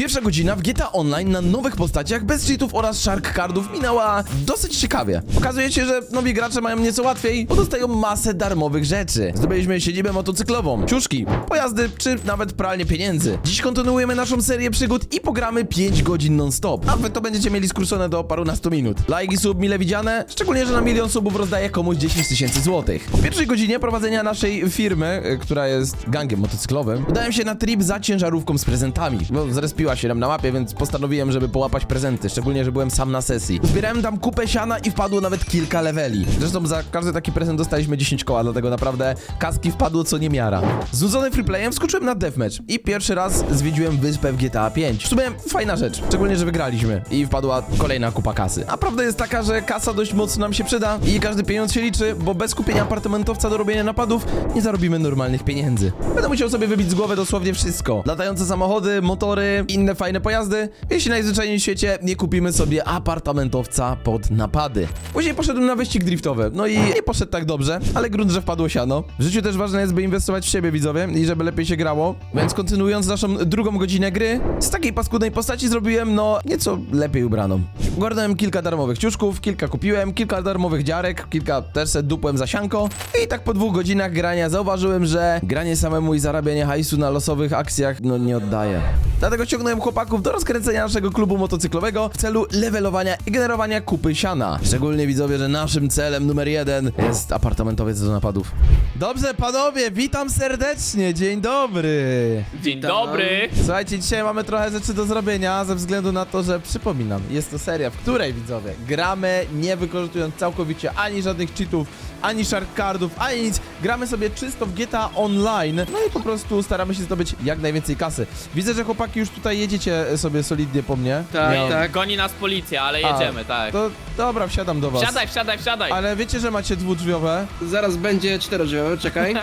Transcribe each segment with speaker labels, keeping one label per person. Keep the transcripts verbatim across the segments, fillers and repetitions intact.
Speaker 1: Pierwsza godzina w G T A Online na nowych postaciach, bez cheatów oraz shark cardów minęła dosyć ciekawie. Okazuje się, że nowi gracze mają nieco łatwiej, bo dostają masę darmowych rzeczy. Zdobyliśmy siedzibę motocyklową, ciuszki, pojazdy czy nawet pralnię pieniędzy. Dziś kontynuujemy naszą serię przygód i pogramy pięć godzin non-stop, a wy to będziecie mieli skrócone do parunastu minut. Like i sub mile widziane, szczególnie, że na milion subów rozdaję komuś dziesięć tysięcy złotych. Po pierwszej godzinie prowadzenia naszej firmy, y, która jest gangiem motocyklowym, udałem się na trip za ciężarówką z prezentami, bo zrespiła się nam na mapie, więc postanowiłem, żeby połapać prezenty, szczególnie, że byłem sam na sesji. Zbierałem tam kupę siana i wpadło nawet kilka leveli. Zresztą za każdy taki prezent dostaliśmy dziesięć koła, dlatego naprawdę kaski wpadło co niemiara. Znudzony freeplayem wskoczyłem na deathmatch i pierwszy raz zwiedziłem wyspę w G T A pięć. W sumie fajna rzecz, szczególnie, że wygraliśmy i wpadła kolejna kupa kasy. A prawda jest taka, że kasa dość mocno nam się przyda i każdy pieniądz się liczy, bo bez kupienia apartamentowca do robienia napadów nie zarobimy normalnych pieniędzy. Będę musiał sobie wybić z głowy dosłownie wszystko. Latające samochody, motory, inne fajne pojazdy, jeśli najzwyczajniej w świecie nie kupimy sobie apartamentowca pod napady. Później poszedłem na wyścig driftowy, no i nie poszedł tak dobrze, ale grunt, że wpadło siano. W życiu też ważne jest, by inwestować w siebie, widzowie, i żeby lepiej się grało, więc kontynuując naszą drugą godzinę gry, z takiej paskudnej postaci zrobiłem, no, nieco lepiej ubraną. Ogarnąłem kilka darmowych ciuszków, kilka kupiłem, kilka darmowych dziarek, kilka też se dupłem za sianko i tak po dwóch godzinach grania zauważyłem, że granie samemu i zarabianie hajsu na losowych akcjach, no, nie oddaje. Dlatego ściągnąłem chłopaków do rozkręcenia naszego klubu motocyklowego w celu levelowania i generowania kupy siana. Szczególnie widzowie, że naszym celem numer jeden jest apartamentowiec do napadów. Dobrze, panowie, witam serdecznie, dzień dobry.
Speaker 2: Dzień dobry.
Speaker 1: Słuchajcie, dzisiaj mamy trochę rzeczy do zrobienia, ze względu na to, że przypominam, jest to seria, w której, widzowie, gramy nie wykorzystując całkowicie ani żadnych cheatów, ani shark cardów, ani nic. Gramy sobie czysto w G T A Online, no i po prostu staramy się zdobyć jak najwięcej kasy. Widzę, że chłopaki już tutaj jedziecie sobie solidnie po mnie.
Speaker 3: Tak,
Speaker 2: Nie,
Speaker 3: tak.
Speaker 2: Goni nas policja, ale jedziemy, tak.
Speaker 1: To dobra, wsiadam do was.
Speaker 2: Wsiadaj, wsiadaj, wsiadaj.
Speaker 1: Ale wiecie, że macie dwudrzwiowe?
Speaker 3: Zaraz będzie czterodrzwiowe, czekaj.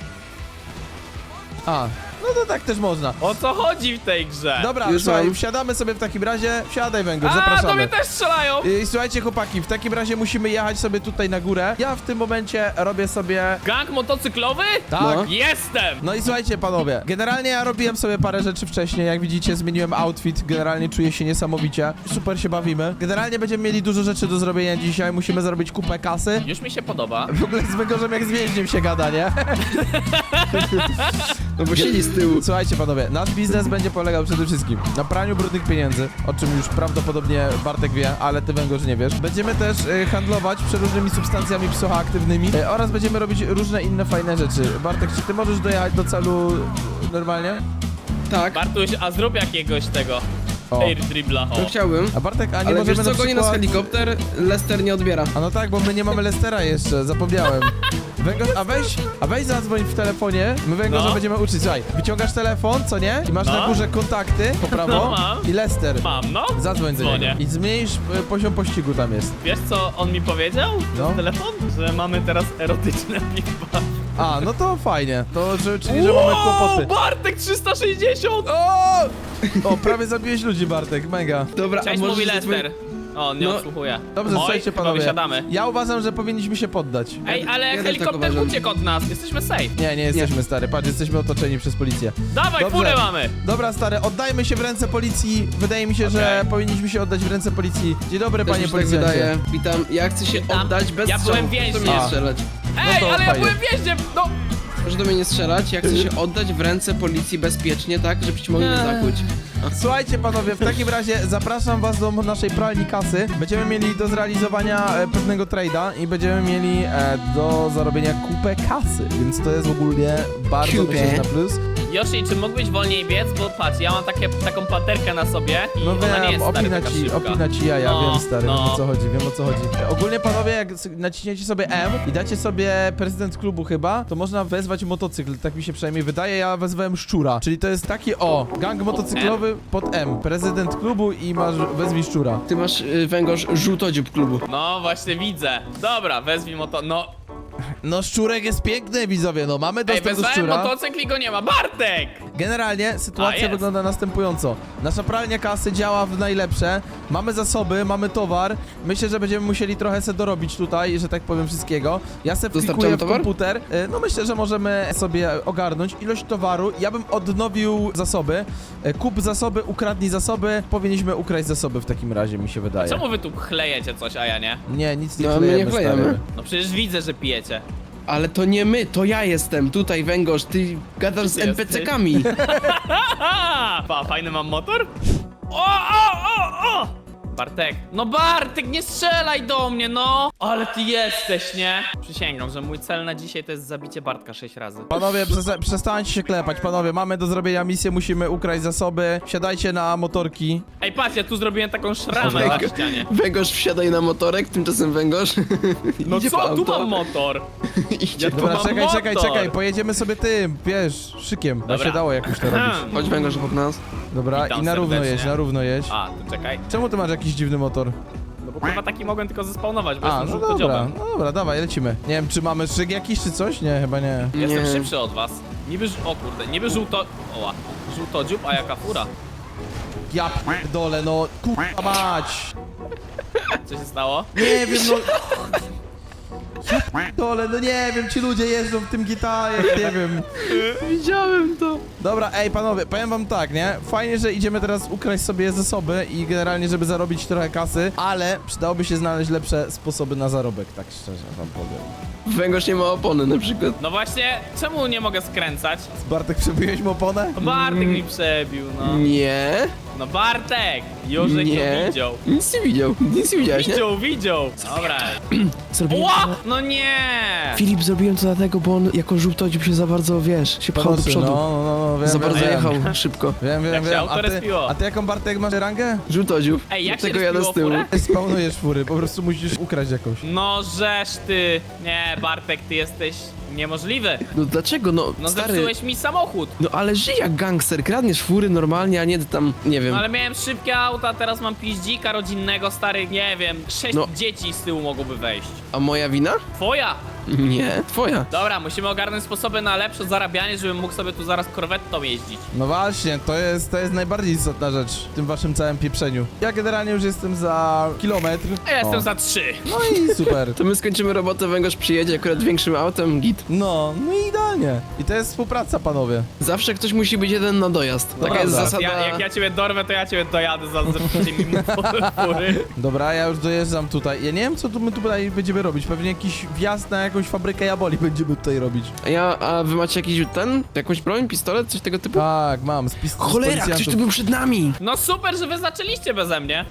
Speaker 1: A, no to tak też można.
Speaker 2: O co chodzi w tej grze?
Speaker 1: Dobra,
Speaker 3: Już
Speaker 1: słuchaj,
Speaker 3: mam.
Speaker 1: wsiadamy sobie w takim razie. Wsiadaj, Węgorz,
Speaker 2: A, do
Speaker 1: zapraszamy.
Speaker 2: mnie też strzelają.
Speaker 1: I słuchajcie, chłopaki, w takim razie musimy jechać sobie tutaj na górę. Ja w tym momencie robię sobie...
Speaker 2: Gang motocyklowy?
Speaker 1: Tak.
Speaker 3: No.
Speaker 2: Jestem.
Speaker 1: No i słuchajcie, panowie, generalnie ja robiłem sobie parę rzeczy wcześniej, jak widzicie, zmieniłem outfit, generalnie czuję się niesamowicie, super się bawimy. Generalnie będziemy mieli dużo rzeczy do zrobienia dzisiaj, musimy zrobić kupę kasy.
Speaker 2: Już mi się podoba.
Speaker 1: W ogóle z Węgorzem jak z więźniem się gada, nie?
Speaker 3: No bo siedzi z tyłu.
Speaker 1: Słuchajcie, panowie, nasz biznes będzie polegał przede wszystkim na praniu brudnych pieniędzy, o czym już prawdopodobnie Bartek wie, ale ty, Węgorz, nie wiesz. Będziemy też y, handlować przeróżnymi substancjami psychoaktywnymi y, oraz będziemy robić różne inne fajne rzeczy. Bartek, czy ty możesz dojechać do celu y, normalnie?
Speaker 3: Tak,
Speaker 2: Bartuś, a zrób jakiegoś tego
Speaker 1: O.
Speaker 2: air dribbla. O.
Speaker 3: no chciałbym.
Speaker 1: A Bartek, a nie
Speaker 3: Ale
Speaker 1: możemy
Speaker 3: wiesz co,
Speaker 1: na
Speaker 3: goni nas
Speaker 1: przykład...
Speaker 3: helikopter, Lester nie odbiera.
Speaker 1: A no tak, bo my nie mamy Lestera jeszcze, zapomniałem. Węgorz, a weź, a weź zadzwoń w telefonie, my Węgorza
Speaker 2: No.
Speaker 1: będziemy uczyć. Słuchaj, wyciągasz telefon, co nie? I masz
Speaker 2: No.
Speaker 1: na górze kontakty, po prawo,
Speaker 2: No, mam.
Speaker 1: i Lester.
Speaker 2: Mam, no.
Speaker 1: Zadzwoń do
Speaker 2: Dzwonię.
Speaker 1: niego i zmniejsz y, poziom pościgu tam jest.
Speaker 2: Wiesz co on mi powiedział?
Speaker 1: No.
Speaker 2: No. Telefon? Że mamy teraz erotyczne piwa.
Speaker 1: A, no to fajnie, to że, czyli, że mamy kłopoty.
Speaker 2: Bartek trzysta sześćdziesiąt!
Speaker 1: O! O, prawie zabiłeś ludzi, Bartek, mega.
Speaker 3: Dobra,
Speaker 2: Cześć,
Speaker 3: a
Speaker 2: mówi
Speaker 3: możesz zadzwonić-
Speaker 2: Lester. O, on nie
Speaker 3: No.
Speaker 2: odsłuchuje.
Speaker 1: Dobrze,
Speaker 2: Oj,
Speaker 1: słuchajcie,
Speaker 2: chyba
Speaker 1: panowie.
Speaker 2: wysiadamy.
Speaker 1: Ja uważam, że powinniśmy się poddać.
Speaker 2: Ej, ale
Speaker 3: Ja też tak
Speaker 2: helikopter
Speaker 3: uważam.
Speaker 2: uciekł od nas. Jesteśmy safe.
Speaker 1: Nie, nie jesteśmy, stary, patrz, jesteśmy otoczeni przez policję.
Speaker 2: Dawaj,
Speaker 1: Dobrze.
Speaker 2: furę mamy.
Speaker 1: Dobra, stary, oddajmy się w ręce policji. Wydaje mi się, że
Speaker 2: Okej.
Speaker 1: powinniśmy się oddać w ręce policji. Dzień dobry,
Speaker 3: Też
Speaker 1: panie
Speaker 3: mi się tak
Speaker 1: policjancie.
Speaker 3: wydaje. Witam, ja chcę się
Speaker 2: Witam.
Speaker 3: oddać bez
Speaker 2: Ja
Speaker 3: strzału.
Speaker 2: byłem
Speaker 3: Proszę do
Speaker 2: więźniem.
Speaker 3: mnie nie
Speaker 1: A.
Speaker 3: strzelać.
Speaker 2: Ej,
Speaker 1: to
Speaker 2: ale ja
Speaker 1: fajnie.
Speaker 2: byłem więźniem. No.
Speaker 3: Proszę do mnie nie strzelać, ja chcę się oddać w ręce policji bezpiecznie, tak, żebyście mogli mnie zakuć.
Speaker 1: Słuchajcie, panowie, w takim razie zapraszam was do naszej pralni kasy. Będziemy mieli do zrealizowania e, pewnego trade'a i będziemy mieli e, do zarobienia kupę kasy, więc to jest ogólnie bardzo,
Speaker 3: Kupę.
Speaker 1: myślę, że na plus.
Speaker 2: Yoshi, czy mógłbyś wolniej biec? Bo patrz, ja mam takie, taką paterkę na sobie i
Speaker 1: No
Speaker 2: ona nie
Speaker 1: wiem,
Speaker 2: jest stary,
Speaker 1: opina
Speaker 2: taka
Speaker 1: ci,
Speaker 2: szybka.
Speaker 1: opina ci jaja,
Speaker 2: No,
Speaker 1: wiem, stary,
Speaker 2: no.
Speaker 1: wiem o co chodzi, wiem o co chodzi. E, Ogólnie, panowie, jak s- naciśniecie sobie M i dacie sobie prezydent klubu chyba, to można wezwać motocykl, tak mi się przynajmniej wydaje, ja wezwałem szczura, czyli to jest taki, o, gang motocyklowy pod M, prezydent klubu i masz, wezwij szczura.
Speaker 3: Ty masz y, Węgorz żółtodziób klubu.
Speaker 2: No właśnie widzę. Dobra, wezwij moto. No.
Speaker 1: No szczurek jest piękny, widzowie, no mamy
Speaker 2: Ej,
Speaker 1: dostęp do
Speaker 2: wezwałem
Speaker 1: szczura.
Speaker 2: motocykl i go nie ma. Bartek!
Speaker 1: Generalnie
Speaker 2: A,
Speaker 1: sytuacja
Speaker 2: jest.
Speaker 1: wygląda następująco. Nasza pralnia kasy działa w najlepsze. Mamy zasoby, mamy towar. Myślę, że będziemy musieli trochę se dorobić tutaj, że tak powiem, wszystkiego. Ja se
Speaker 3: Dostarczamy
Speaker 1: wklikuję w
Speaker 3: towar?
Speaker 1: komputer. Y, No myślę, że możemy sobie ogarnąć ilość towaru. Ja bym odnowił zasoby. Y, Kup zasoby, ukradnij zasoby. Powinniśmy ukraść zasoby w takim razie, mi się wydaje.
Speaker 2: Czemu wy tu chlejecie coś, a ja nie?
Speaker 1: Nie, nic nie
Speaker 3: No, my nie
Speaker 1: klejemy,
Speaker 3: klejemy.
Speaker 1: stary.
Speaker 2: No przecież widzę, że pijecie.
Speaker 3: Ale to nie my, to ja jestem. Tutaj węgorz, ty gadasz z
Speaker 2: Ty
Speaker 3: en pe ce kami.
Speaker 2: Haha! Pa, fajny mam motor? O, o, o, o! Bartek, no Bartek, nie strzelaj do mnie, no! Ale ty jesteś, nie? Przysięgam, że mój cel na dzisiaj to jest zabicie Bartka sześć razy.
Speaker 1: Panowie, przesta- przestańcie się klepać, panowie, mamy do zrobienia misję, musimy ukraść zasoby. Siadajcie na motorki.
Speaker 2: Ej, patrz, ja tu zrobiłem taką szramę na ścianie.
Speaker 3: Węgorz wsiadaj na motorek, tymczasem węgorz.
Speaker 2: No
Speaker 3: idzie po
Speaker 2: co, tu
Speaker 3: auto.
Speaker 2: mam motor.
Speaker 3: Idzie
Speaker 2: Ja
Speaker 3: po...
Speaker 2: tu
Speaker 1: Dobra,
Speaker 2: mam
Speaker 1: czekaj, czekaj,
Speaker 2: motor.
Speaker 1: czekaj, pojedziemy sobie tym, wiesz, szykiem. Bo
Speaker 2: Dobra.
Speaker 1: się dało jakoś to robić.
Speaker 3: Chodź węgorz pod nas.
Speaker 1: Dobra,
Speaker 2: Witam
Speaker 1: i na równo
Speaker 2: serdecznie.
Speaker 1: jedź, na równo jedź.
Speaker 2: A, to czekaj.
Speaker 1: Czemu ty masz jakiś dziwny motor?
Speaker 2: No bo chyba taki mogłem tylko zespawnować, bo
Speaker 1: A,
Speaker 2: jestem
Speaker 1: no dobra,
Speaker 2: żółtodziobem.
Speaker 1: no dobra, dawaj, lecimy. Nie wiem, czy mamy szyk jakiś, czy coś? Nie, chyba nie.
Speaker 2: Jestem
Speaker 3: Nie.
Speaker 2: szybszy od was. Niby, ż- o kurde, niby żółto... Oła. Żółtodziób, a jaka fura.
Speaker 1: Ja dole, no, kurwa mać.
Speaker 2: Co się stało?
Speaker 1: Nie wiem, no... Dole, no nie wiem, ci ludzie jeżdżą w tym gitarze, nie wiem.
Speaker 3: Widziałem to.
Speaker 1: Dobra, ej panowie, powiem wam tak, nie? Fajnie, że idziemy teraz ukraść sobie zasoby i generalnie, żeby zarobić trochę kasy, ale przydałoby się znaleźć lepsze sposoby na zarobek, tak szczerze wam powiem.
Speaker 3: Węgorz nie ma opony na przykład.
Speaker 2: No właśnie, czemu nie mogę skręcać?
Speaker 1: Bartek, przebiłeś mu oponę?
Speaker 2: No Bartek mi przebił, no.
Speaker 3: Nie.
Speaker 2: No Bartek! Jorzek
Speaker 3: Nie.
Speaker 2: to widział.
Speaker 3: Nic nie widział. Nic nie widziałeś, nie?
Speaker 2: Widział, widział. Dobra.
Speaker 3: Zrobiłem
Speaker 2: Ła! No nie!
Speaker 3: Filip, zrobiłem to dlatego, bo on jako żółtodziób się za bardzo, wiesz, się pchał do
Speaker 1: Pomocy,
Speaker 3: przodu.
Speaker 1: No, no, no, wiem,
Speaker 3: Za
Speaker 1: wiem,
Speaker 3: bardzo
Speaker 1: wiem.
Speaker 3: jechał szybko.
Speaker 1: Wiem, wiem,
Speaker 2: Jak się
Speaker 1: wiem.
Speaker 2: auto
Speaker 1: A ty,
Speaker 2: respiło.
Speaker 1: a ty jaką, Bartek, masz rangę?
Speaker 3: Żółtodziób.
Speaker 2: Ej, jak się
Speaker 3: Dlatego jadę
Speaker 2: respiło
Speaker 3: z tyłu.
Speaker 2: furę?
Speaker 1: Ty Spawnujesz fury, po prostu musisz ukraść jakąś.
Speaker 2: No żeż ty. Nie, Bartek, ty jesteś niemożliwy.
Speaker 3: No dlaczego? No,
Speaker 2: No
Speaker 3: stary.
Speaker 2: zepsułeś mi samochód.
Speaker 3: No ale żyj jak gangster, kradniesz fury normalnie, a nie tam, nie wiem.
Speaker 2: No ale miałem szybkie auta, teraz mam piździka rodzinnego, stary, nie wiem, sześć
Speaker 3: No.
Speaker 2: dzieci z tyłu mogłoby wejść.
Speaker 3: A moja wina?
Speaker 2: Twoja!
Speaker 3: Nie, twoja.
Speaker 2: Dobra, musimy ogarnąć sposoby na lepsze zarabianie, żebym mógł sobie tu zaraz korwettą jeździć.
Speaker 1: No właśnie, to jest, to jest najbardziej istotna rzecz w tym waszym całym pieprzeniu. Ja generalnie już jestem za kilometr.
Speaker 2: A ja jestem
Speaker 1: O.
Speaker 2: za trzy.
Speaker 1: No i super.
Speaker 3: To my skończymy robotę, węgorz przyjedzie akurat większym autem, git.
Speaker 1: No, no i idealnie. I to jest współpraca, panowie.
Speaker 3: Zawsze ktoś musi być jeden na dojazd.
Speaker 1: No
Speaker 3: Taka jest
Speaker 1: prawda.
Speaker 3: zasada.
Speaker 2: Ja, jak ja ciebie dorwę, to ja ciebie dojadę za zepsucie mi fury.
Speaker 1: Dobra, ja już dojeżdżam tutaj. Ja nie wiem, co tu my tutaj będziemy robić. Pewnie jakiś wjazd na jakąś fabrykę jaboli będziemy tutaj robić.
Speaker 3: A ja, a wy macie jakiś ten? Jakąś broń, pistolet, coś tego typu?
Speaker 1: Tak, mam. Z pist- z
Speaker 3: Cholera, ktoś
Speaker 1: policjantów.
Speaker 3: tu był przed nami!
Speaker 2: No super, że wy zaczęliście beze mnie.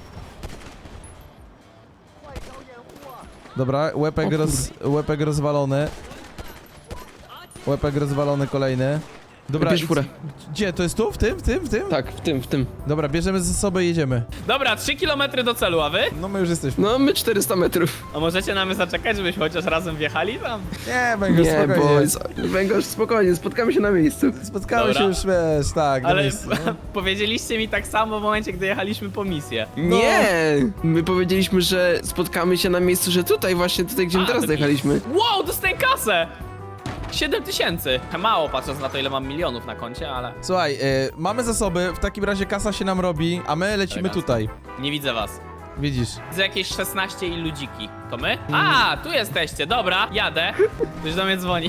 Speaker 1: Dobra, łepek,
Speaker 3: O
Speaker 1: roz, łepek rozwalony. Łepek rozwalony kolejny. Dobra,
Speaker 3: Bierz
Speaker 1: i-
Speaker 3: furę.
Speaker 1: Gdzie? To jest tu? W tym? W tym? W tym?
Speaker 3: Tak, w tym, w tym.
Speaker 1: Dobra, bierzemy ze sobą i jedziemy.
Speaker 2: Dobra, trzy kilometry do celu, a wy?
Speaker 1: No my już jesteśmy.
Speaker 3: No, my czterysta metrów.
Speaker 2: A możecie na mnie zaczekać, żebyśmy chociaż razem wjechali tam?
Speaker 1: Nie, Węgorz,
Speaker 3: Nie, bo...
Speaker 1: spokojnie.
Speaker 3: Węgorz, spokojnie, spotkamy się na miejscu.
Speaker 1: Spotkamy
Speaker 2: Dobra.
Speaker 1: się już, wiesz, tak, na
Speaker 2: Ale
Speaker 1: miejscu. no.
Speaker 2: powiedzieliście mi tak samo w momencie, gdy jechaliśmy po misję.
Speaker 3: Nie! My powiedzieliśmy, że spotkamy się na miejscu, że tutaj właśnie, tutaj gdzie my
Speaker 2: A,
Speaker 3: teraz
Speaker 2: to
Speaker 3: dojechaliśmy.
Speaker 2: Wow, dostaję kasę! siedem tysięcy. Mało patrząc na to, ile mam milionów na koncie, ale
Speaker 1: Słuchaj, y, mamy zasoby, w takim razie kasa się nam robi, a my lecimy
Speaker 2: Elegancko.
Speaker 1: tutaj.
Speaker 2: nie widzę was.
Speaker 1: Widzisz?
Speaker 2: Widzę jakieś szesnaście i ludziki. To my? A, tu jesteście, dobra, jadę. Ktoś do mnie dzwoni.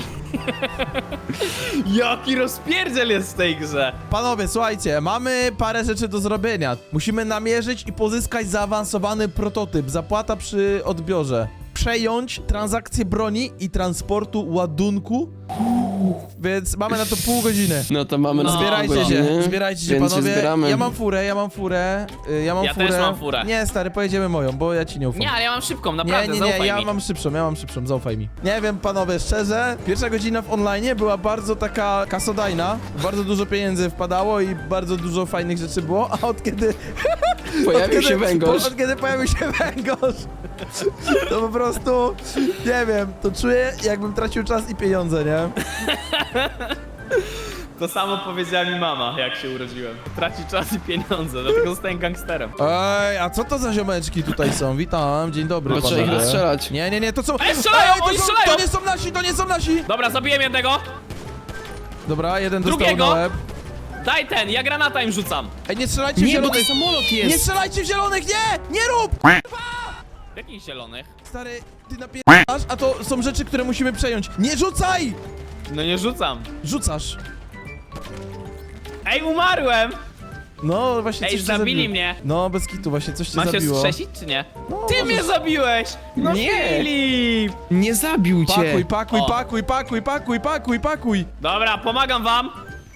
Speaker 2: Jaki rozpierdziel jest w tej grze.
Speaker 1: Panowie, słuchajcie, mamy parę rzeczy do zrobienia. Musimy namierzyć i pozyskać zaawansowany prototyp. Zapłata przy odbiorze. Przejąć transakcję broni i transportu ładunku. Więc mamy na to pół godziny.
Speaker 3: No to mamy
Speaker 2: No,
Speaker 3: na
Speaker 1: Zbierajcie
Speaker 3: pół
Speaker 1: się,
Speaker 3: godziny,
Speaker 1: zbierajcie się,
Speaker 3: więc
Speaker 1: panowie.
Speaker 3: zbieramy.
Speaker 1: Ja mam furę, ja mam furę, y, ja mam
Speaker 2: Ja
Speaker 1: furę.
Speaker 2: też mam furę.
Speaker 1: Nie, stary, pojedziemy moją, bo ja ci nie ufam.
Speaker 2: Nie, ale ja mam szybką,
Speaker 1: Nie,
Speaker 2: naprawdę,
Speaker 1: nie, nie,
Speaker 2: zaufaj
Speaker 1: ja
Speaker 2: mi.
Speaker 1: mam szybszą, ja mam szybszą, zaufaj mi. Nie wiem, panowie, szczerze, pierwsza godzina w online była bardzo taka kasodajna, bardzo dużo pieniędzy wpadało i bardzo dużo fajnych rzeczy było, a od kiedy...
Speaker 3: Pojawił
Speaker 1: od
Speaker 3: się
Speaker 1: kiedy,
Speaker 3: węgorz.
Speaker 1: Od kiedy pojawił się węgorz, to po prostu, nie wiem, to czuję, jakbym tracił czas i pieniądze, nie?
Speaker 2: To samo powiedziała mi mama, jak się urodziłem. Traci czas i pieniądze, dlatego zostałem gangsterem.
Speaker 1: Ej, a co to za ziomeczki tutaj są? Witam, dzień dobry,
Speaker 3: Bo trzeba ich
Speaker 1: panowie.
Speaker 3: rozstrzelać.
Speaker 1: Nie, nie, nie, to są...
Speaker 2: Ej, strzelają,
Speaker 1: to
Speaker 2: oni
Speaker 1: są-
Speaker 2: strzelają!
Speaker 1: To nie są nasi, to nie są nasi!
Speaker 2: Dobra, zabiłem jednego.
Speaker 1: Dobra, jeden dostał
Speaker 2: Drugiego?
Speaker 1: na łeb.
Speaker 2: Daj ten, ja granata im rzucam.
Speaker 1: Ej, nie strzelajcie w
Speaker 3: Nie, bo to
Speaker 1: zielonych!
Speaker 3: samolot
Speaker 1: Nie
Speaker 3: jest!
Speaker 1: strzelajcie w zielonych, nie! Nie rób!
Speaker 2: Jakich zielonych?
Speaker 1: Stary, ty napierasz, a to są rzeczy, które musimy przejąć. Nie rzucaj!
Speaker 2: No nie rzucam.
Speaker 1: Rzucasz.
Speaker 2: Ej, umarłem!
Speaker 1: No, właśnie
Speaker 2: Ej,
Speaker 1: coś cię
Speaker 2: zabili
Speaker 1: zabiło.
Speaker 2: mnie.
Speaker 1: No, bez kitu, właśnie coś cię
Speaker 2: Mam się
Speaker 1: zabiło.
Speaker 2: strzesić, czy nie?
Speaker 1: No,
Speaker 2: Ty
Speaker 1: możesz-
Speaker 2: mnie zabiłeś! No
Speaker 3: Nie.
Speaker 2: Filip!
Speaker 3: Nie zabił cię!
Speaker 1: Pakuj, pakuj,
Speaker 2: O.
Speaker 1: pakuj, pakuj, pakuj, pakuj, pakuj!
Speaker 2: Dobra, pomagam wam.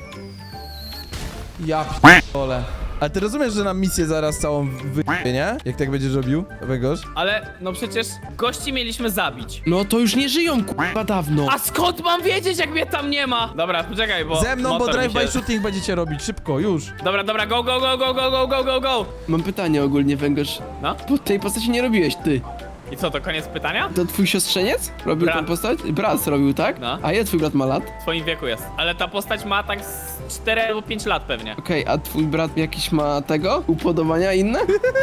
Speaker 1: Ja p***ole. Ale ty rozumiesz, że nam misję zaraz całą wy***ie, nie? Jak tak będziesz robił, Węgorz?
Speaker 2: Ale, no przecież gości mieliśmy zabić.
Speaker 3: No to już nie żyją, kurwa, dawno.
Speaker 2: A skąd mam wiedzieć, jak mnie tam nie ma? Dobra, poczekaj, bo...
Speaker 1: Ze mną, bo
Speaker 2: motor mi
Speaker 1: drive-by
Speaker 2: się...
Speaker 1: shooting będziecie robić, szybko, już.
Speaker 2: Dobra, dobra, go, go, go, go, go, go, go, go, go!
Speaker 3: Mam pytanie ogólnie, Węgorz.
Speaker 2: No?
Speaker 3: Bo tej postaci nie robiłeś ty.
Speaker 2: I co, to koniec pytania?
Speaker 3: To twój siostrzeniec? Robił
Speaker 2: Brat.
Speaker 3: tę postać? Brat robił, tak?
Speaker 2: No.
Speaker 3: A ile twój brat ma lat?
Speaker 2: W twoim wieku jest. Ale ta postać ma tak z cztery albo pięć lat pewnie.
Speaker 3: Okej, a twój brat jakiś ma tego? Upodobania inne?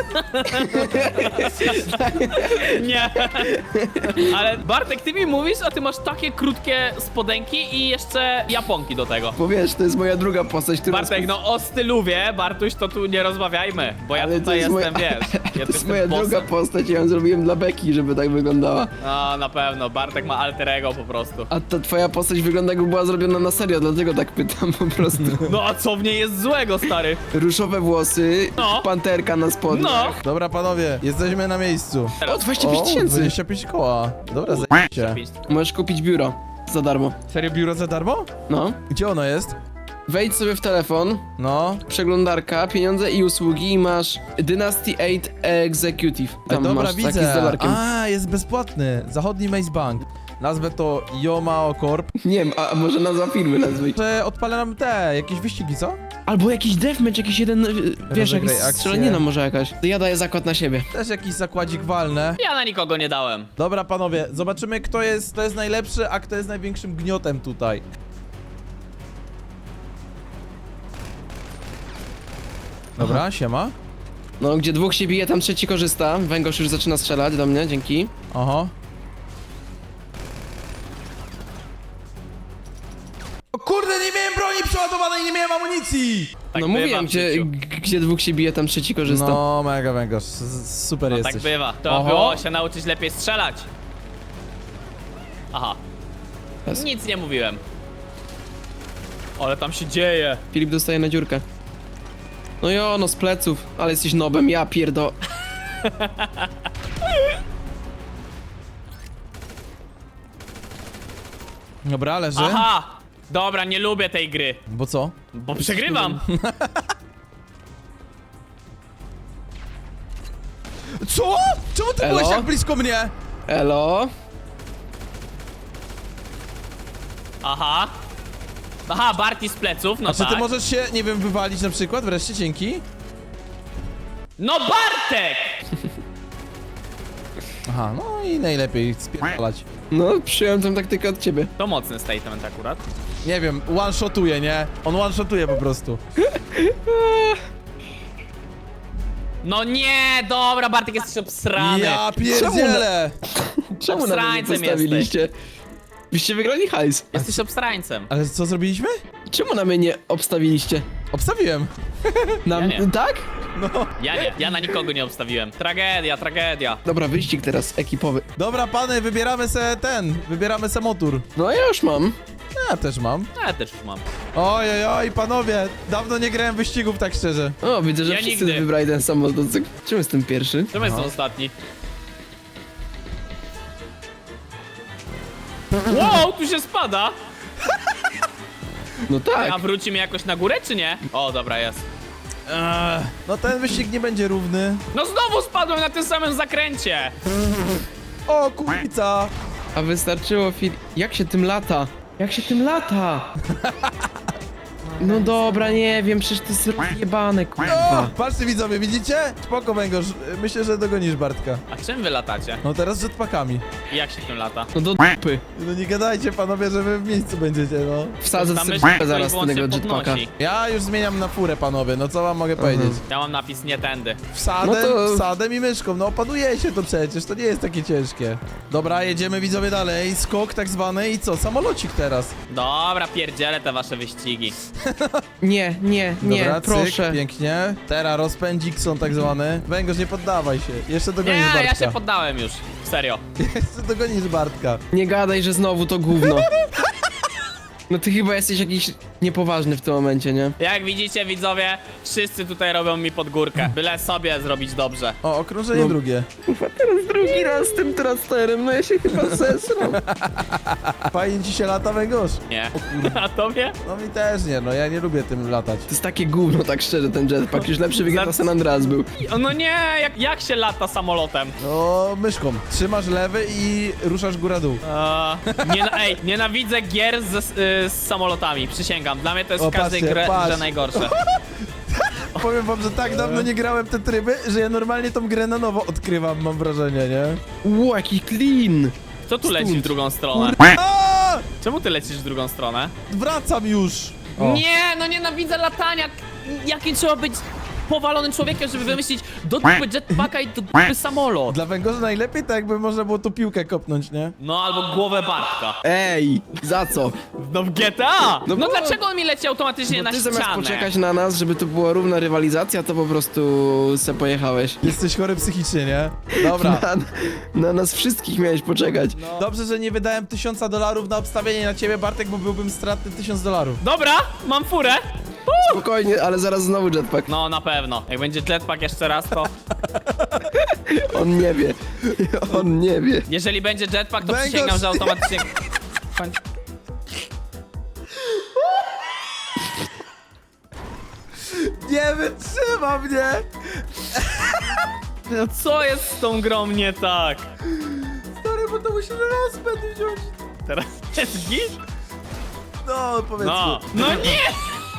Speaker 2: Nie. Ale Bartek, ty mi mówisz, a ty masz takie krótkie spodenki i jeszcze japonki do tego.
Speaker 3: Bo wiesz, to jest moja druga postać, która...
Speaker 2: Bartek, no o styluwie, Bartuś, to tu nie rozmawiajmy, bo ja
Speaker 3: Ale to
Speaker 2: tutaj
Speaker 3: jest
Speaker 2: jestem,
Speaker 3: moja-
Speaker 2: wiesz, ja
Speaker 3: To
Speaker 2: tu
Speaker 3: jest
Speaker 2: jestem
Speaker 3: moja
Speaker 2: bossem.
Speaker 3: druga postać, ja ją zrobiłem dla Beki, żeby tak wyglądała.
Speaker 2: No, na pewno, Bartek ma alter ego po prostu.
Speaker 3: A ta twoja postać wygląda jakby była zrobiona na serio, dlatego tak pytam po prostu.
Speaker 2: No a co w niej jest złego, stary?
Speaker 3: Różowe włosy,
Speaker 2: No.
Speaker 3: panterka na spodniach.
Speaker 2: No!
Speaker 1: Dobra, panowie, jesteśmy na miejscu.
Speaker 3: O, dwadzieścia pięć
Speaker 1: O,
Speaker 3: tysięcy!
Speaker 1: dwadzieścia pięć koła. Dobra, zajęcie.
Speaker 3: Możesz kupić biuro za darmo.
Speaker 1: Serio, biuro za darmo?
Speaker 3: No.
Speaker 1: Gdzie ono jest?
Speaker 3: Wejdź sobie w telefon,
Speaker 1: No.
Speaker 3: przeglądarka, pieniądze i usługi i masz Dynasty osiem Executive.
Speaker 1: Ej, dobra,
Speaker 3: masz taki z
Speaker 1: widzę.
Speaker 3: dolarkiem.
Speaker 1: A, jest bezpłatny. Zachodni Maze Bank. Nazwę to Yomao Corp.
Speaker 3: Nie wiem, a a może nazwa firmy nazwij.
Speaker 1: Że odpalę nam te, jakieś wyścigi, co?
Speaker 3: Albo jakiś deathmatch, jakiś jeden, y, wiesz,
Speaker 1: Rozegraj
Speaker 3: jakaś
Speaker 1: akcję.
Speaker 3: strzelanina może jakaś. Ja daję zakład na siebie.
Speaker 1: Też jakiś zakładzik walnę.
Speaker 2: Ja na nikogo nie dałem.
Speaker 1: Dobra, panowie, zobaczymy, kto jest, kto jest najlepszy, a kto jest największym gniotem tutaj. Dobra, siema.
Speaker 3: No, gdzie dwóch się bije, tam trzeci korzysta. Węgorz już zaczyna strzelać do mnie, dzięki.
Speaker 1: Oho. O kurde, nie miałem broni przeładowanej, nie miałem amunicji!
Speaker 2: Tak
Speaker 3: no
Speaker 2: bywa
Speaker 3: mówiłem,
Speaker 2: w
Speaker 3: gdzie,
Speaker 2: życiu.
Speaker 3: g- gdzie dwóch się bije, tam trzeci korzysta.
Speaker 1: No, mega węgorz, s- super
Speaker 2: No
Speaker 1: jesteś.
Speaker 2: tak bywa. To
Speaker 1: Oho.
Speaker 2: było się nauczyć lepiej strzelać. Aha.
Speaker 3: Jest.
Speaker 2: Nic nie mówiłem. Ale tam się dzieje.
Speaker 3: Filip dostaje na dziurkę. No jo, no z pleców, ale jesteś nobem, ja pierdo...
Speaker 1: Dobra, leży.
Speaker 2: Aha! Dobra, nie lubię tej gry.
Speaker 1: Bo co?
Speaker 2: Bo przegrywam.
Speaker 1: Co? Czemu ty
Speaker 3: Elo?
Speaker 1: byłeś tak blisko mnie?
Speaker 3: Elo?
Speaker 2: Aha. Aha, Barty z pleców, no
Speaker 1: A czy
Speaker 2: tak.
Speaker 1: ty możesz się, nie wiem, wywalić na przykład? Wreszcie, dzięki.
Speaker 2: No Bartek!
Speaker 1: Aha, no i najlepiej spierdalać.
Speaker 3: No, przyjąłem tę taktykę od ciebie.
Speaker 2: To mocny statement akurat.
Speaker 1: Nie wiem, one-shotuje, nie? On one-shotuje po prostu.
Speaker 2: No nie, dobra, Bartek jesteś obsrany.
Speaker 1: Ja pierdzielę!
Speaker 3: Czemu na mnie nie
Speaker 2: Obsrańcem
Speaker 3: postawiliście? Byście wygrali hajs.
Speaker 2: Jesteś obsrańcem.
Speaker 1: Ale co zrobiliśmy?
Speaker 3: Czemu na mnie nie obstawiliście?
Speaker 1: Obstawiłem.
Speaker 3: Na
Speaker 2: Ja nie.
Speaker 3: Tak?
Speaker 1: No.
Speaker 2: Ja nie, ja na nikogo nie obstawiłem. Tragedia, tragedia.
Speaker 3: Dobra, wyścig teraz ekipowy.
Speaker 1: Dobra, pany, wybieramy se ten, wybieramy se motor.
Speaker 3: No ja już mam.
Speaker 1: Ja też mam.
Speaker 2: Ja też już mam.
Speaker 1: Oj, oj, oj, panowie, dawno nie grałem wyścigów, tak szczerze.
Speaker 3: O, widzę, że
Speaker 2: Ja
Speaker 3: wszyscy
Speaker 2: nigdy.
Speaker 3: wybrali ten sam motocykl. Czemu jestem pierwszy?
Speaker 2: Czemu jestem ostatni? Wow, tu się spada!
Speaker 3: No tak.
Speaker 2: A wrócimy jakoś na górę, czy nie? O, dobra, jest.
Speaker 1: Eee, no ten wyścig nie będzie równy.
Speaker 2: No znowu spadłem na tym samym zakręcie!
Speaker 1: O, kurwica!
Speaker 3: A wystarczyło Filip... Jak się tym lata? Jak się tym lata? No dobra, nie wiem, przecież to jest jebane,
Speaker 1: O,
Speaker 3: kurwa.
Speaker 1: patrzcie widzowie, widzicie? Spoko węgorz, myślę, że dogonisz Bartka.
Speaker 2: A czym wy latacie?
Speaker 1: No teraz z jetpackami.
Speaker 2: I jak się tym lata?
Speaker 3: No do dupy.
Speaker 1: No nie gadajcie panowie, że wy w miejscu będziecie, no.
Speaker 3: Wsadzę
Speaker 2: Tam
Speaker 3: sobie
Speaker 2: myśl,
Speaker 3: zaraz
Speaker 2: ktoś
Speaker 3: tego
Speaker 2: wyłącznie
Speaker 3: jetpacka.
Speaker 2: podnosi.
Speaker 1: Ja już zmieniam na furę panowie, no co wam mogę powiedzieć?
Speaker 2: Ja mam napis nie tędy.
Speaker 1: Wsadem,
Speaker 3: No to-
Speaker 1: wsadem i myszką, no opanujecie to przecież, to nie jest takie ciężkie. Dobra, jedziemy widzowie dalej, skok tak zwany i co, samolocik teraz.
Speaker 2: Dobra, pierdzielę te wasze wyścigi.
Speaker 3: Nie, nie, nie,
Speaker 1: Dobra,
Speaker 3: proszę.
Speaker 1: cyk, pięknie. Teraz rozpędzik są tak zwany. Węgorz, nie poddawaj się, jeszcze dogonisz
Speaker 2: Nie,
Speaker 1: Bartka.
Speaker 2: ja się poddałem już. Serio.
Speaker 1: Jeszcze dogonisz Bartka.
Speaker 3: Nie gadaj, że znowu to gówno. No ty chyba jesteś jakiś niepoważny w tym momencie, nie?
Speaker 2: Jak widzicie, widzowie, wszyscy tutaj robią mi pod górkę. Byle sobie zrobić dobrze.
Speaker 1: O, okrążenie
Speaker 3: No.
Speaker 1: drugie.
Speaker 3: Kurwa, teraz drugi raz z tym trasterem, no ja się chyba zesram.
Speaker 1: Fajnie ci się lata, Węgorz?
Speaker 2: Nie. A tobie?
Speaker 1: No mi też nie, no ja nie lubię tym latać.
Speaker 3: To jest takie gówno, tak szczerze, ten jetpack. Już lepszy wygląda
Speaker 2: Za-
Speaker 3: San Andreas był.
Speaker 2: O, no nie, jak, jak się lata samolotem?
Speaker 1: No, myszką. Trzymasz lewy i ruszasz góra-dół.
Speaker 2: Eee, nie, ej, nienawidzę gier z, z, z samolotami, przysięgam. Dla mnie to jest
Speaker 1: O,
Speaker 2: w każdej
Speaker 1: patrzcie,
Speaker 2: grze,
Speaker 1: patrz.
Speaker 2: grze najgorsze.
Speaker 1: Powiem wam, że tak dawno nie grałem te tryby, że ja normalnie tą grę na nowo odkrywam, mam wrażenie, nie?
Speaker 3: Ło, jaki clean.
Speaker 2: Kto tu leci w drugą stronę?
Speaker 1: A!
Speaker 2: Czemu ty lecisz w drugą stronę?
Speaker 1: Wracam już! O.
Speaker 2: Nie, no nienawidzę latania. Jakim trzeba być powalonym człowiekiem, żeby wymyślić do dupy jetpacka i do dupy samolot.
Speaker 1: Dla węgorza najlepiej tak, jakby można było tu piłkę kopnąć, nie?
Speaker 2: No albo głowę Bartka.
Speaker 3: Ej, za co?
Speaker 2: No w G T A! No,
Speaker 3: No bo-
Speaker 2: dlaczego on mi leci automatycznie
Speaker 3: Bo
Speaker 2: na
Speaker 3: ty zamiast
Speaker 2: ścianę?
Speaker 3: poczekać na nas, żeby to była równa rywalizacja, to po prostu se pojechałeś.
Speaker 1: Jesteś chory psychicznie, nie? Dobra.
Speaker 3: Na, na nas wszystkich miałeś poczekać.
Speaker 1: Dobrze, że nie wydałem tysiąca dolarów na obstawienie na ciebie, Bartek, bo byłbym stratny tysiąc dolarów.
Speaker 2: Dobra, mam furę.
Speaker 3: Spokojnie, ale zaraz znowu jetpack.
Speaker 2: No na pewno. Jak będzie jetpack jeszcze raz, to...
Speaker 3: On nie wie. On nie wie.
Speaker 2: Jeżeli będzie jetpack, to
Speaker 1: Węgorz-
Speaker 2: przysięgam, że automatycznie...
Speaker 1: Nie wytrzyma mnie!
Speaker 2: No co jest z tą grą nie tak?
Speaker 1: Stary, bo to musi rozpęd wziąć.
Speaker 2: Teraz jest git?
Speaker 1: No, powiedzmy.
Speaker 2: No. No nie!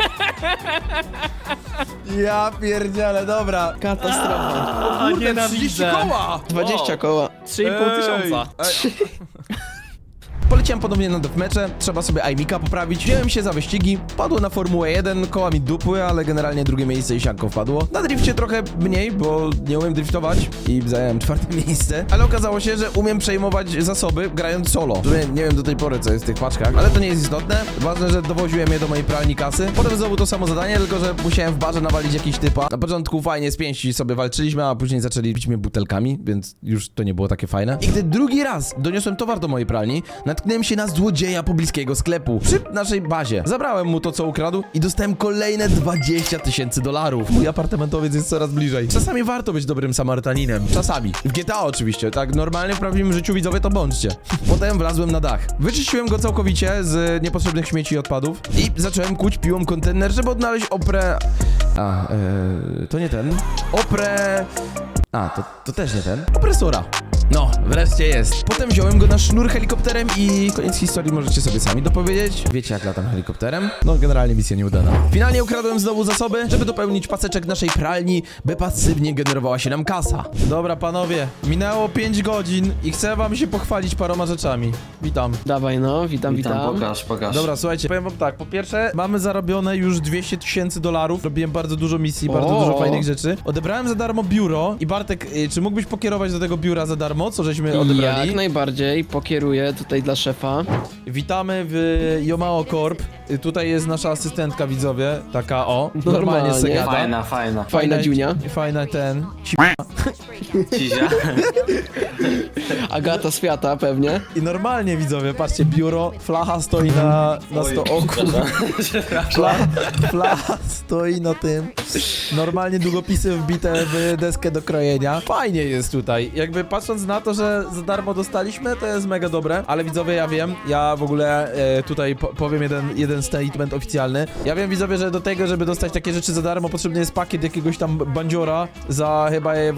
Speaker 1: Ja pierdzielę, dobra.
Speaker 3: Katastrofa.
Speaker 2: A,
Speaker 1: Kurde, trzydzieści koła!
Speaker 3: dwadzieścia
Speaker 2: Wow.
Speaker 3: koła.
Speaker 2: trzy i pół
Speaker 1: Ej.
Speaker 2: tysiąca.
Speaker 1: Ej. Poleciałem ponownie na deathmatche, trzeba sobie aimika poprawić. Wziąłem się za wyścigi, padło na Formułę jeden, koła mi dupły, ale generalnie drugie miejsce i sianko wpadło. Na drifcie trochę mniej, bo nie umiem driftować i zająłem czwarte miejsce, ale okazało się, że umiem przejmować zasoby grając solo. W sumie nie wiem do tej pory, co jest w tych paczkach, ale to nie jest istotne. Ważne, że dowoziłem je do mojej pralni kasy. Potem znowu to samo zadanie, tylko że musiałem w barze nawalić jakiś typa. Na początku fajnie z pięści sobie walczyliśmy, a później zaczęli bić mnie butelkami, więc już to nie było takie fajne. I gdy drugi raz doniosłem towar do mojej pralni, natknąłem się na złodzieja pobliskiego sklepu przy naszej bazie. Zabrałem mu to, co ukradł i dostałem kolejne dwadzieścia tysięcy dolarów. Mój apartamentowiec jest coraz bliżej. Czasami warto być dobrym Samarytaninem. Czasami. W G T A oczywiście, tak normalnie w prawdziwym życiu widzowie to bądźcie. Potem wlazłem na dach. Wyczyściłem go całkowicie z niepotrzebnych śmieci i odpadów i zacząłem kuć piłą kontener, żeby odnaleźć oprę... A, yy, to nie ten. Oprę... A, to, to też nie ten. Opresora. No, wreszcie jest. Potem wziąłem go na sznur helikopterem i koniec historii możecie sobie sami dopowiedzieć. Wiecie jak latam helikopterem? No, generalnie misja nieudana. Finalnie ukradłem znowu zasoby, żeby dopełnić paseczek naszej pralni, by pasywnie generowała się nam kasa. Dobra, panowie, minęło pięć godzin i chcę wam się pochwalić paroma rzeczami. Witam.
Speaker 3: Dawaj no, witam, witam.
Speaker 4: Witam, pokaż, pokaż.
Speaker 1: Dobra, słuchajcie, powiem wam tak, po pierwsze, mamy zarobione już dwieście tysięcy dolarów, robiłem bardzo dużo misji, bardzo
Speaker 3: O.
Speaker 1: dużo fajnych rzeczy. Odebrałem za darmo biuro i Bartek, y, czy mógłbyś pokierować do tego biura za darmo, co żeśmy odebrali?
Speaker 3: Jak najbardziej, pokieruję tutaj dla szefa.
Speaker 1: Witamy w Yomao Corp. Y, Tutaj jest nasza asystentka, widzowie, taka o, normalnie
Speaker 3: Normalnie.
Speaker 1: se gada.
Speaker 4: Fajna, fajna.
Speaker 3: Fajna dziunia.
Speaker 1: Fajna ten,
Speaker 4: Cizia.
Speaker 3: Agata Świata pewnie.
Speaker 1: i normalnie, widzowie, patrzcie, biuro, flacha stoi na, na sto... O kurwa. Fla, flacha stoi na tym. Normalnie długopisy wbite w deskę do krojenia. Fajnie jest tutaj. Jakby patrząc na to, że za darmo dostaliśmy, to jest mega dobre. Ale widzowie, ja wiem, ja w ogóle e, tutaj po, powiem jeden, jeden statement oficjalny. Ja wiem, widzowie, że do tego, żeby dostać takie rzeczy za darmo, potrzebny jest pakiet jakiegoś tam bandziora za chyba e, właśnie, właśnie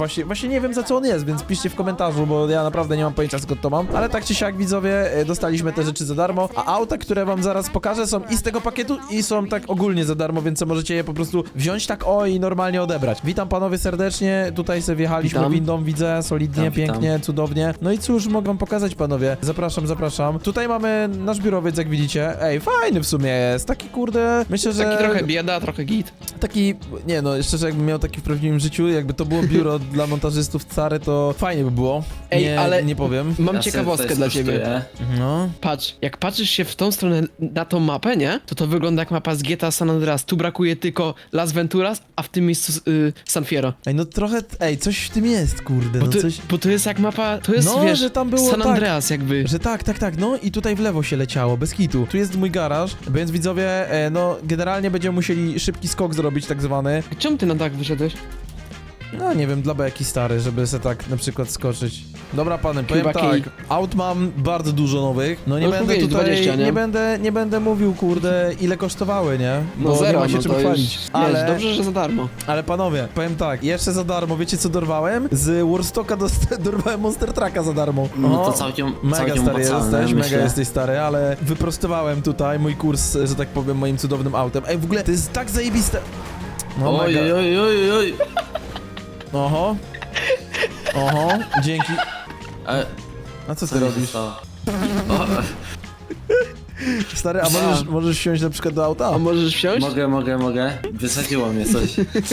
Speaker 1: właśnie nie wiem za co on jest, więc piszcie w komentarzu, bo ja naprawdę nie mam pojęcia skąd to mam. Ale tak czy siak widzowie, e, dostaliśmy te rzeczy za darmo, a auta, które wam zaraz pokażę są i z tego pakietu i są tak ogólnie za darmo, więc możecie je po prostu wziąć tak o i normalnie odebrać. Witam panowie serdecznie, tutaj sobie wjechaliśmy
Speaker 3: Witam.
Speaker 1: windą, widzę, solidnie,
Speaker 4: Witam, witam.
Speaker 1: pięknie, cudownie. No i cóż, mogę wam pokazać panowie. Zapraszam, zapraszam. Tutaj mamy nasz biurowiec, jak widzicie. Ej, fajny w sumie jest, taki kurde, myślę, że...
Speaker 3: Taki trochę bieda, trochę git.
Speaker 1: Taki, nie no, szczerze jakbym miał taki w prawdziwym życiu, jakby to było biuro dla montażystów Cary, to fajnie by było.
Speaker 3: Ej,
Speaker 1: nie,
Speaker 3: ale-
Speaker 1: nie powiem.
Speaker 3: Mam
Speaker 4: Ja sobie
Speaker 3: ciekawostkę
Speaker 4: tutaj
Speaker 3: dla ciebie.
Speaker 4: skosztuję.
Speaker 1: No.
Speaker 3: Patrz, jak patrzysz się w tą stronę na tą mapę, nie? To to wygląda jak mapa z G T A San Andreas. Tu brakuje tylko Las Venturas, a w tym miejscu y, San Fierro.
Speaker 1: Ej, no trochę, ej, coś w tym jest, kurde,
Speaker 3: Bo
Speaker 1: no
Speaker 3: to,
Speaker 1: coś...
Speaker 3: bo to jest jak mapa, to jest,
Speaker 1: No,
Speaker 3: wiesz,
Speaker 1: że tam było
Speaker 3: San
Speaker 1: tak.
Speaker 3: Andreas jakby.
Speaker 1: Że tak, tak, tak, no i tutaj w lewo się leciało, bez kitu. Tu jest mój garaż, więc widzowie, e, no generalnie będziemy musieli szybki skok zrobić tak zwany.
Speaker 3: Czemu ty na dach wyszedłeś?
Speaker 1: No nie wiem, dla beki stary, żeby se tak na przykład skoczyć. Dobra pany, powiem
Speaker 3: Chyba
Speaker 1: tak,
Speaker 3: kij.
Speaker 1: aut mam bardzo dużo nowych. No nie
Speaker 3: No,
Speaker 1: będę
Speaker 3: powiedzieć
Speaker 1: tutaj,
Speaker 3: dwadzieścia, nie?
Speaker 1: nie będę, nie będę mówił kurde ile kosztowały, nie?
Speaker 3: No
Speaker 1: Bo
Speaker 3: zero,
Speaker 1: nie ma się
Speaker 3: no
Speaker 1: czym
Speaker 3: to
Speaker 1: chwalić.
Speaker 3: już,
Speaker 1: Ale,
Speaker 3: wiesz, dobrze, że za darmo.
Speaker 1: ale panowie, powiem tak, jeszcze za darmo, wiecie co dorwałem? Z Warstocka dost- dorwałem Monster Trucka za darmo.
Speaker 4: No to
Speaker 1: O,
Speaker 4: całkiem,
Speaker 1: Mega
Speaker 4: całkiem
Speaker 1: stary
Speaker 4: opłacalne,
Speaker 1: jesteś,
Speaker 4: myślę.
Speaker 1: mega jesteś stary, ale wyprostowałem tutaj mój kurs, że tak powiem, moim cudownym autem. Ej, w ogóle to jest tak zajebiste. No
Speaker 4: Oj,
Speaker 1: mega.
Speaker 4: oj, oj, oj.
Speaker 1: Oho. Oho, dzięki.
Speaker 4: E,
Speaker 1: A co
Speaker 4: co
Speaker 1: ty
Speaker 4: mi się
Speaker 1: robisz?
Speaker 4: stało? O,
Speaker 1: Stary, a możesz, możesz wsiąść na przykład do auta?
Speaker 3: A możesz wsiąść?
Speaker 4: mogę, mogę, mogę. Wysadziło mnie coś.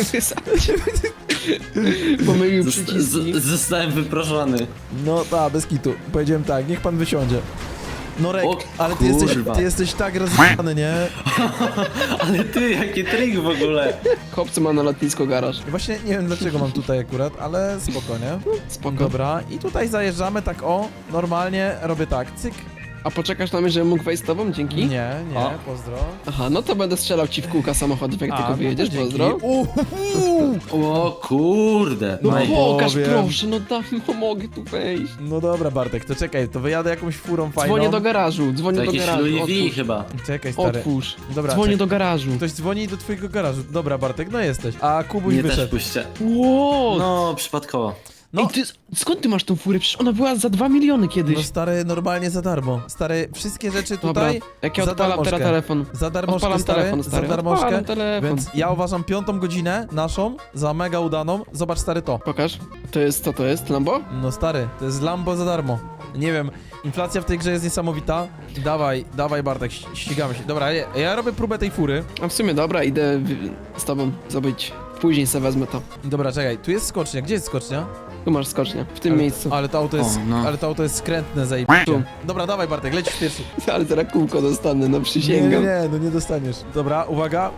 Speaker 3: Pomylił
Speaker 4: Zosta-
Speaker 3: przyciski.
Speaker 4: z- Zostałem wyproszony.
Speaker 1: No tak, bez kitu. Powiedziałem tak, niech pan wysiądzie. Norek,
Speaker 4: O,
Speaker 1: ale ty jesteś,
Speaker 4: kurwa.
Speaker 1: ty jesteś tak rozjebany, nie?
Speaker 4: Ale ty, jaki trik w ogóle.
Speaker 3: Chłopcy ma na lotnisko garaż.
Speaker 1: Właśnie nie wiem dlaczego mam tutaj akurat, ale spoko, nie?
Speaker 3: Spoko.
Speaker 1: Dobra, i tutaj zajeżdżamy tak o, normalnie robię tak, cyk.
Speaker 3: A poczekasz na mnie, żebym mógł wejść z tobą? Dzięki?
Speaker 1: Nie, nie,
Speaker 4: O.
Speaker 1: pozdro.
Speaker 3: Aha, no to będę strzelał ci w kółka samochodów, jak
Speaker 1: A,
Speaker 3: tylko
Speaker 1: no
Speaker 3: wyjedziesz,
Speaker 1: to dzięki.
Speaker 3: pozdro.
Speaker 1: Uhuhu.
Speaker 4: O kurde.
Speaker 3: No
Speaker 4: No i-
Speaker 3: pokaż
Speaker 1: powiem.
Speaker 3: proszę, no dam, no mogę tu wejść.
Speaker 1: No dobra Bartek, to czekaj, to wyjadę jakąś furą fajną.
Speaker 3: Dzwonię do garażu,
Speaker 4: To
Speaker 3: dzwonię do
Speaker 4: jakieś
Speaker 3: garażu,
Speaker 4: Louis V
Speaker 3: otwórz.
Speaker 4: chyba.
Speaker 1: Czekaj stary.
Speaker 3: Otwórz.
Speaker 1: Dobra,
Speaker 3: Dzwonię
Speaker 1: czekaj.
Speaker 3: do garażu.
Speaker 1: Ktoś dzwoni do twojego garażu. Dobra Bartek, no jesteś. A Kubuś
Speaker 4: Mnie też
Speaker 1: wyszedł.
Speaker 4: puśćcie.
Speaker 3: Ło!
Speaker 4: No, przypadkowo.
Speaker 1: No.
Speaker 3: Ej, ty, skąd ty masz tą furę? Przecież ona była za dwa miliony kiedyś.
Speaker 1: No stary, normalnie za darmo. Stary, wszystkie rzeczy
Speaker 3: Dobra,
Speaker 1: tutaj
Speaker 3: jak ja
Speaker 1: za
Speaker 3: odpalam
Speaker 1: darmożkę.
Speaker 3: teraz telefon.
Speaker 1: Za darmożkę,
Speaker 3: Odpalam
Speaker 1: stary,
Speaker 3: telefon, stary.
Speaker 1: za darmożkę.
Speaker 3: Odpalam telefon.
Speaker 1: Więc ja uważam piątą godzinę naszą za mega udaną. Zobacz stary to.
Speaker 3: Pokaż. To jest, co to jest? Lambo?
Speaker 1: No stary, to jest Lambo za darmo. Nie wiem, inflacja w tej grze jest niesamowita. Dawaj, dawaj Bartek, ś- ścigamy się. Dobra, ja, ja robię próbę tej fury.
Speaker 3: A w sumie dobra, idę w, z tobą zrobić. Później sobie wezmę to.
Speaker 1: Dobra, czekaj, tu jest skocznia. Gdzie jest skocznia?
Speaker 3: Tu masz skocznię, w tym
Speaker 1: ale,
Speaker 3: miejscu.
Speaker 1: Ale to auto jest,
Speaker 4: O, no.
Speaker 1: ale to auto jest skrętne, zajebiście.
Speaker 3: Tu.
Speaker 1: Dobra, dawaj Bartek, lecisz pierwszy.
Speaker 3: Ale teraz kółko dostanę, no
Speaker 1: Nie,
Speaker 3: przysięgam.
Speaker 1: nie, no nie dostaniesz. Dobra, uwaga.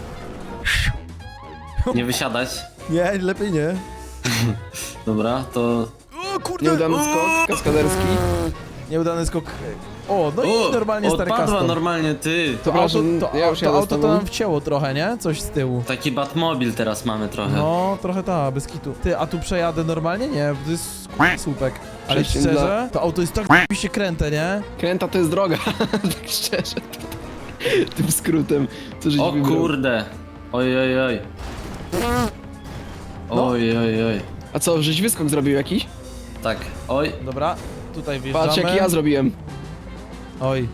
Speaker 4: Nie wysiadać.
Speaker 1: Nie, lepiej nie.
Speaker 4: Dobra, to...
Speaker 1: O kurde!
Speaker 3: Nieudany
Speaker 1: o!
Speaker 3: skok, kaskaderski.
Speaker 1: Nieudany skok. O, no
Speaker 4: O,
Speaker 1: i normalnie stary
Speaker 4: odpadła
Speaker 1: custom.
Speaker 4: normalnie, ty.
Speaker 1: To
Speaker 3: Dobra,
Speaker 1: auto,
Speaker 3: że
Speaker 1: to,
Speaker 3: ja już
Speaker 1: to
Speaker 3: jadę z
Speaker 1: auto to
Speaker 3: tobą.
Speaker 1: nam wcięło trochę, nie? Coś z tyłu.
Speaker 4: Taki Batmobil teraz mamy trochę.
Speaker 1: No, trochę ta, bez kitu. Ty, a tu przejadę normalnie? Nie, to jest słupek. Ale
Speaker 3: Przejściem
Speaker 1: szczerze,
Speaker 3: dla-
Speaker 1: to auto jest tak się kręte, nie?
Speaker 3: Kręta to jest droga, tak szczerze. Tym skrótem, co żeś
Speaker 4: O
Speaker 3: wybrał.
Speaker 4: kurde. Oj, oj, oj.
Speaker 1: No.
Speaker 4: Oj, oj, oj.
Speaker 3: A co, żeś wyskok zrobił jakiś?
Speaker 4: Tak, oj.
Speaker 1: Dobra, tutaj wjeżdżamy.
Speaker 3: Patrz jaki ja zrobiłem.
Speaker 1: Oj.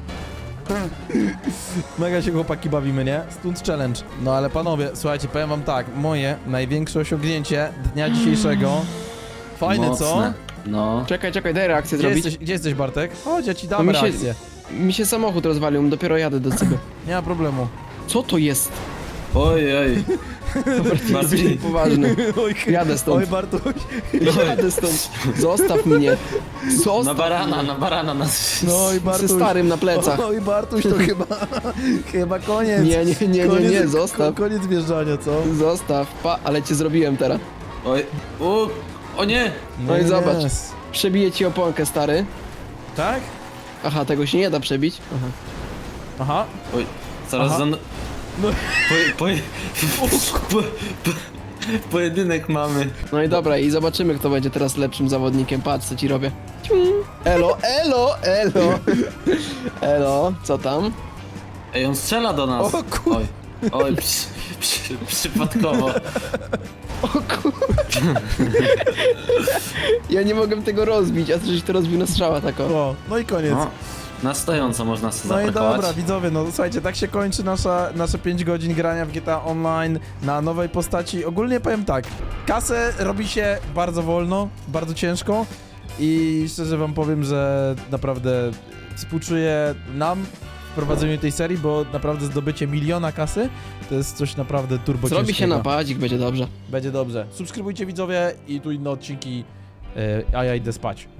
Speaker 1: Mega się chłopaki bawimy, nie? Stunt challenge. No ale panowie, słuchajcie, powiem wam tak, moje największe osiągnięcie dnia dzisiejszego. Fajne,
Speaker 4: Mocne.
Speaker 1: co?
Speaker 4: No.
Speaker 3: Czekaj, czekaj, daj reakcję
Speaker 1: Gdzie
Speaker 3: zrobić.
Speaker 1: jesteś, gdzie jesteś Bartek? Chodź, ja ci
Speaker 3: No
Speaker 1: dam
Speaker 3: mi się-
Speaker 1: reakcję.
Speaker 3: Mi się samochód rozwalił, dopiero jadę do ciebie.
Speaker 1: Nie ma problemu.
Speaker 3: Co to jest?
Speaker 4: Oj, oj. Bardziej.
Speaker 3: Poważny.
Speaker 1: Oj,
Speaker 3: Jadę stąd.
Speaker 1: Oj, Bartuś.
Speaker 3: Jadę stąd. Zostaw mnie. Zostaw
Speaker 4: Na barana,
Speaker 3: mnie.
Speaker 4: na barana nas.
Speaker 1: No oj,
Speaker 3: Ze
Speaker 1: Bartuś.
Speaker 3: starym na plecach.
Speaker 1: Oj, Bartuś, to chyba, chyba koniec.
Speaker 3: Nie, nie, nie, nie,
Speaker 1: koniec,
Speaker 3: nie, zostaw.
Speaker 1: ko- Koniec wjeżdżania, co?
Speaker 3: Zostaw. Pa, ale cię zrobiłem teraz.
Speaker 4: Oj. O, o nie.
Speaker 3: No i
Speaker 1: Nie,
Speaker 3: zobacz.
Speaker 1: nie.
Speaker 3: Przebiję ci oponkę, stary.
Speaker 1: Tak?
Speaker 3: Aha, tego się nie da przebić. Aha.
Speaker 1: Aha.
Speaker 4: Oj. Zaraz
Speaker 1: Aha.
Speaker 4: za...
Speaker 1: No.
Speaker 4: Po, po, po, po, pojedynek mamy.
Speaker 3: No i dobra, i zobaczymy, kto będzie teraz lepszym zawodnikiem. Patrz, co ci robię. Ciu. Elo, elo, elo. Elo, co tam?
Speaker 4: Ej, on strzela do nas.
Speaker 1: O kur-
Speaker 4: Oj. Oj, przy, przy, przypadkowo.
Speaker 3: O kur... Ja nie mogę tego rozbić, a ty żeś to rozbił na strzała tako.
Speaker 1: O, no i koniec.
Speaker 4: No, na stojąco można sobie
Speaker 1: No i
Speaker 4: zaparkować.
Speaker 1: dobra, widzowie, no słuchajcie, tak się kończy nasza, nasze pięć godzin grania w G T A Online na nowej postaci. Ogólnie powiem tak, kasę robi się bardzo wolno, bardzo ciężko i szczerze wam powiem, że naprawdę współczuję nam w prowadzeniu tej serii, bo naprawdę zdobycie miliona kasy to jest coś naprawdę turbo
Speaker 3: Zrobi się
Speaker 1: ciężkiego.
Speaker 3: napadzik, będzie dobrze.
Speaker 1: Będzie dobrze. Subskrybujcie widzowie i tu inne odcinki, yy, a ja idę spać.